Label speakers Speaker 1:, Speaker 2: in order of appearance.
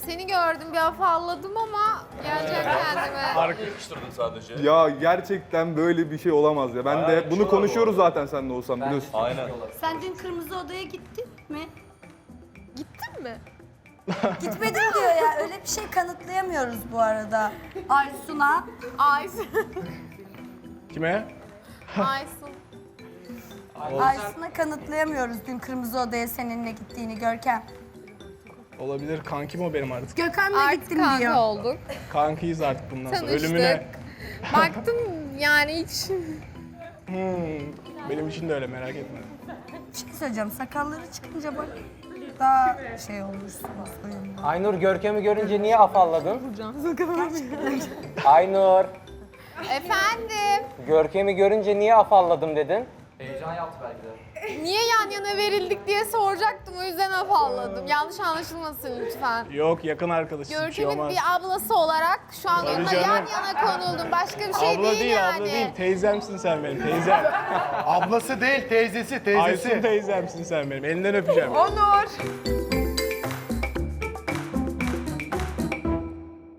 Speaker 1: Seni gördüm bir afalladım ama geleceğim kendime.
Speaker 2: Yakıştırdın sadece.
Speaker 3: Ya gerçekten böyle bir şey olamaz ya. Ben de bunu konuşuyoruz zaten seninle olsam biliyorsun.
Speaker 2: Aynen.
Speaker 4: Sen dün Kırmızı Oda'ya gittin mi?
Speaker 1: Gittin mi?
Speaker 4: Gitmedim diyor ya. Öyle bir şey kanıtlayamıyoruz bu arada. Aysun'a.
Speaker 1: Aysun.
Speaker 5: Kime?
Speaker 1: Aysun.
Speaker 4: Aysun'a kanıtlayamıyoruz dün Kırmızı Oda'ya seninle gittiğini Görkem.
Speaker 5: Olabilir. Kankim o benim artık.
Speaker 4: Gökhan'la
Speaker 1: Artık
Speaker 4: gittim
Speaker 1: kanka
Speaker 4: diyor.
Speaker 1: olduk.
Speaker 5: Kankıyız artık bundan sonra.
Speaker 1: Tanıştık.
Speaker 5: Ölümüne.
Speaker 1: Baktım yani hiç.
Speaker 5: Benim için de öyle, merak etme.
Speaker 4: Bir şey söyleyeceğim. Sakalları çıkınca bak daha şey olursun. Soyunma.
Speaker 6: Aynur Görkem'i görünce niye afalladın? Aynur,
Speaker 1: Efendim.
Speaker 6: Görkem'i görünce niye afalladım dedin?
Speaker 1: Niye yan yana verildik diye soracaktım. O yüzden afalladım. Yanlış anlaşılmasın lütfen.
Speaker 5: Yok, yakın arkadaşız. Bir şey
Speaker 1: Görkem'in
Speaker 5: olmaz.
Speaker 1: bir ablası olarak şu an
Speaker 5: Tabii
Speaker 1: onunla
Speaker 5: canım.
Speaker 1: yan yana konuldum. Başka bir şey
Speaker 5: Abla
Speaker 1: değil,
Speaker 5: değil,
Speaker 1: yani.
Speaker 5: abla değil. Teyzemsin sen benim, teyzem.
Speaker 7: Ablası değil, teyzesi,
Speaker 5: Aysun teyzemsin sen benim. Elinden öpeceğim.
Speaker 1: Onur.